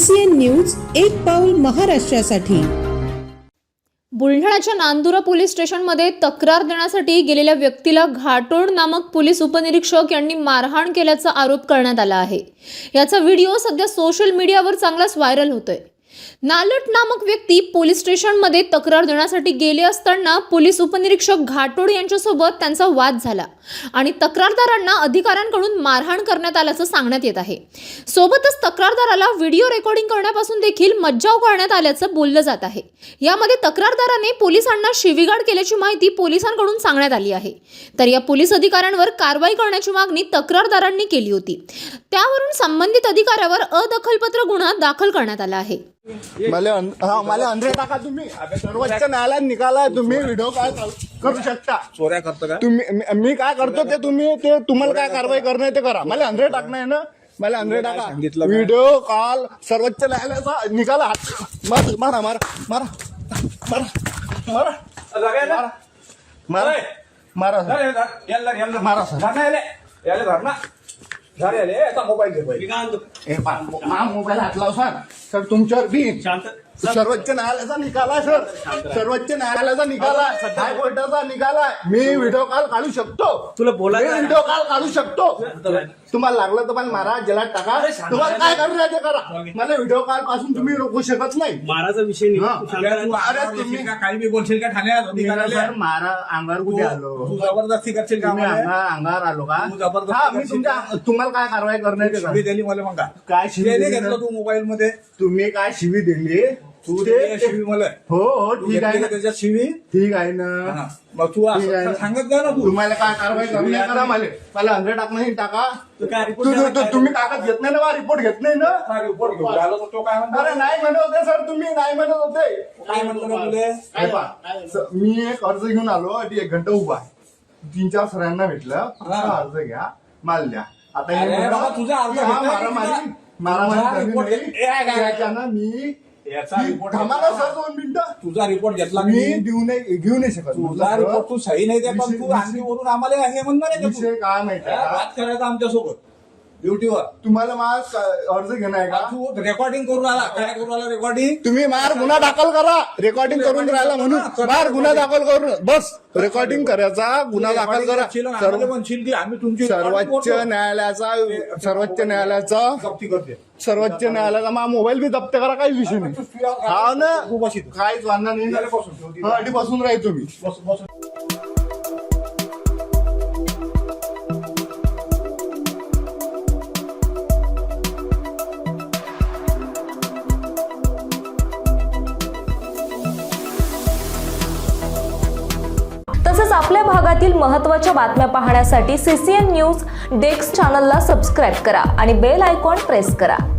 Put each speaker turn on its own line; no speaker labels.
CCN news एक पाऊल महाराष्ट्रासाठी।
बुलढाण्याच्या नांदुरा पोलीस स्टेशनमध्ये तक्रार देण्यासाठी गेलेल्या व्यक्तीला घाटोड नामक पोलीस उपनिरीक्षक यांनी मारहाण केल्याचा आरोप करण्यात आला आहे। याचा व्हिडिओ सध्या सोशल मीडियावर चांगलाच व्हायरल होतोय। नालट नामक व्यक्ती पोलीस स्टेशनमध्ये तक्रार देण्यासाठी गेले असताना पोलीस उपनिरीक्षक घाटोड यांच्यासोबत त्यांचा वाद झाला आणि तक्रारदारांना अधिकाऱ्यांकडून मारहाण करण्यात आल्याचं सांगण्यात येत आहे। सोबतच तक्रारदाराला व्हिडिओ रेकॉर्डिंग करण्यापासून देखील मज्जाव करण्यात आल्याचं बोललं जात आहे। यामध्ये तक्रारदाराने पोलिसांना शिवीगाळ केल्याची माहिती पोलिसांकडून सांगण्यात आली आहे। तर या पोलीस अधिकाऱ्यांवर कारवाई करण्याची मागणी तक्रारदारांनी केली होती। त्यावरून संबंधित अधिकाऱ्यावर अदखलपत्र गुन्हा दाखल करण्यात आला आहे।
मला अंदर टाका तुम्ही। सर्वोच्च न्यायालयात निकाला तुम्ही व्हिडिओ काय करू शकता।
चोऱ्या करतो का
तुम्ही मी काय करतो ते तुम्हाला काय कारवाई करणं ते करा। मला अंदर टाकणं आहे ना, मला अंदर टाका। व्हिडिओ कॉल सर्वोच्च न्यायालयाचा निकाला मारा मारा मारा मारा मारा मारा मारा मोबाईल हात लाव सर तुमच्यावर बी सर्वोच्च न्यायालयाचा निकाल आहे सर। सर्वोच्च न्यायालयाचा निकाल आहे, हायकोर्टाचा निकाल आहे। मी व्हिडिओ कॉल काढू शकतो,
तुला बोलायचं
व्हिडिओ कॉल काढू शकतो। तुम्हाला लागलं तर मला मारा, जलात टाका, तुम्हाला काय करू ते करा। मला व्हिडिओ कॉल पासून तुम्ही रोखू शकत नाही।
माराचा विषय नाही। तुम्ही काही बी बोलशील का ठाण्यात?
मारा अंगावर कुठे आलो?
तू जबरदस्ती करशील का?
अंगावर आलो का? मी तुम्हाला काय कारवाई करणार
शिवी दिली मला मग
काय शिवी
घेतलं तू मोबाईल मध्ये?
तुम्ही काय शिवी दिली?
तू दे शिवी मला।
हो ठीक आहे ना,
त्याच्यात शिवी
ठीक आहे ना।
मग तू सांगत जा ना। तू
तुम्हाला काय कारवाई करणार करा। मला अंदर टाकणं टाका। तुम्ही कागद घेत नाही ना, रिपोर्ट घेत नाही ना।
रिपोर्ट घेऊन आलो तर तो काय म्हणतो?
अरे नाही म्हणत होते सर, तुम्ही नाही म्हणत होते।
काय म्हणतो का तुले?
मी एक अर्ज घेऊन आलो, 1 घंटा उभा आहे। 3-4 सरांना भेटलं, अर्ज घ्या, माल द्या। आता
तुझा अर्ज
मी
रिपोर्ट
सर 2 मिनिटं
तुझा रिपोर्ट घेतला
मी घेऊ नाही शकत।
तुझा रिपोर्ट तू सही नाही दे, पण तू आणखी वरून आम्हाला हे म्हणणार आहे
विषय काय माहिती
बात करायचा आमच्यासोबत ड्युटीवर।
तुम्हाला माझा अर्ज घेणार आहे का?
तू रेकॉर्डिंग करून आला, काय करून आला रेकॉर्डिंग?
तुम्ही मार गुन्हा दाखल करा, रेकॉर्डिंग करून राहिला म्हणून मार गुन्हा दाखल करून बस रेकॉर्डिंग करायचा, गुन्हा दाखल करा।
आम्ही तुमची
सर्वोच्च न्यायालयाचा मा मोबाईल बी जप्त करा, काही विषय नाही। हा ना, काहीच वांधा नाही, बसून राहील तुम्ही।
तसंच आपल्या भागातील महत्त्वाच्या बातम्या पाहण्यासाठी CCN न्यूज डेस्क चॅनलला सबस्क्राईब करा आणि बेल आयकॉन प्रेस करा।